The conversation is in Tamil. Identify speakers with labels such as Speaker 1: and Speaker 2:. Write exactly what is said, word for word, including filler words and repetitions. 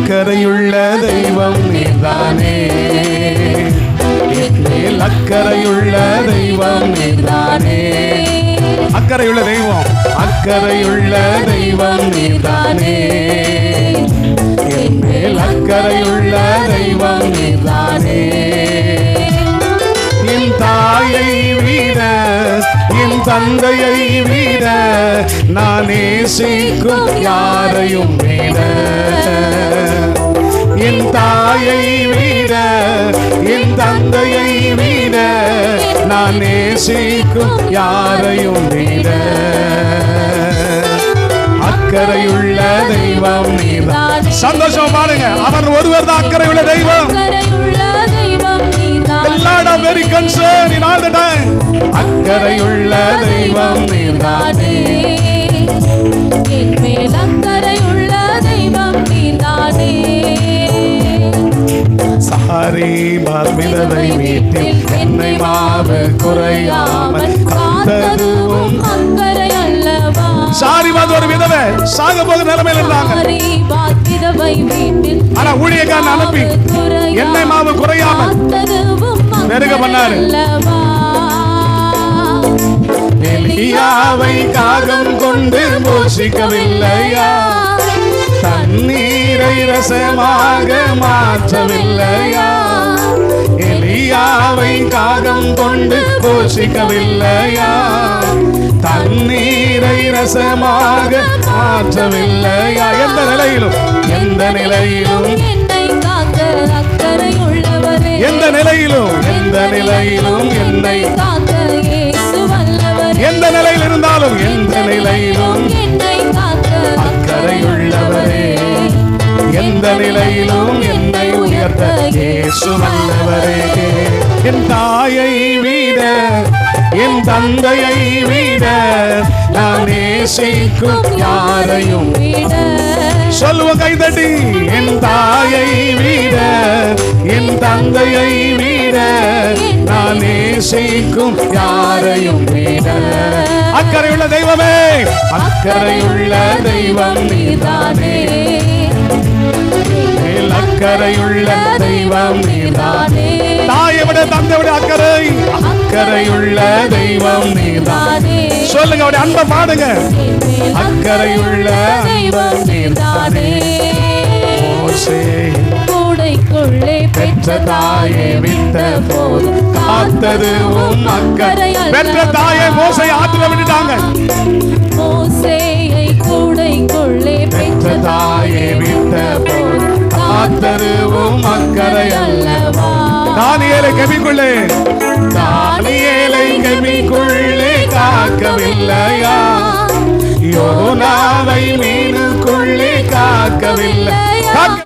Speaker 1: அக்கறையுள்ள தெய்வம் நீதானே, மேல் அக்கறையுள்ள தெய்வம் நீதானே. அக்கறையுள்ள தெய்வம், அக்கறையுள்ள தெய்வம் நீதானே, என் மேல் அக்கறையுள்ள தெய்வம் நீதானே. என் தாயை விட என் தந்தையை விட நான் நேசிக்கும் யாரையும் விட, என் தாயை விட என் தந்தையை விட நான் நேசிக்கும் யாரையும் விட அக்கறையுள்ள தெய்வம் நீதான். சந்தோஷம் பாருங்க, அவர் ஒருவர் தான் அக்கறையுள்ள தெய்வம். The Lord is very concerned in all the time. அக்கறையுள்ள தெய்வம் நீதானே, என் மேல் அக்கறையுள்ள தெய்வம் நீதானே. சாரி விதவை வீட்டில் என்னை மாவு குறையாமல் காத்ததுவும் அக்கறை அல்லவா. சாரி ஒரு விதவை சாக போக நிலைமையில் இருந்தாங்க. ஆனா ஊழியக்காரன் அனுப்பி எண்ணெய் மாவு குறையாமல் பெருக பண்ணாரு. எலியாவை காகம் கொண்டு போஷிக்கவில்லையா, தண்ணீரை ரசமாக மாற்றவில்லையா. எலியாவை காகம் கொண்டு போஷிக்கவில்லையா, தண்ணீரை ரசமாக மாற்றவில்லையா. எந்த நிலையிலும் எந்த நிலையிலும் என்னை காக்க அக்கறை உள்ளவரே, எந்த நிலையிலும் எந்த நிலையிலும் என்னை காக்க இயேசு வல்லவரே. எந்த நிலையில் இருந்தாலும் எந்த நிலையிலும் என்னை காக்க அக்கறை உள்ளவரே, எந்த நிலையிலும் என்னை உயர்த்த இயேசு வல்லவரே. என் தாயை விட என் தந்தையை விட நான் நேசிக்கும் யாரையும் விட. சொல்லுவ கைதட்டி, என் தாயை விட என் தந்தையை விட நான் நேசிக்கும் யாரையும் விட அக்கறையுள்ள தெய்வமே, அக்கறையுள்ள தெய்வம் நீதானே, அக்கறையுள்ள தெய்வம் நீதானே. தாயை விட தந்தை விட அக்கறை, அக்கறையுள்ள தெய்வம் நீதானே. சொல்லுங்க, அவருடைய அன்பை பாடுங்க. அக்கறையுள்ள தெய்வம் நீதானே. மோசே கூடைக்குள்ளே பெற்ற தாயை விட்ட போது காத்தது உம் அக்கறை. பெற்ற தாயை மோசே ஆத்துல விட்டுட்டாங்க. மோசேயை கூடைக்குள்ளே பெற்ற தாயை விட்ட போது காத்தது உம் அக்கறை அல்லவா. தானியேலை கெபிக்குள்ளே தானியேலை கெபிக்குள்ளே காக்கவில்லையா, யோனாவை மீனுக்குள்ளே காக்கவில்லை.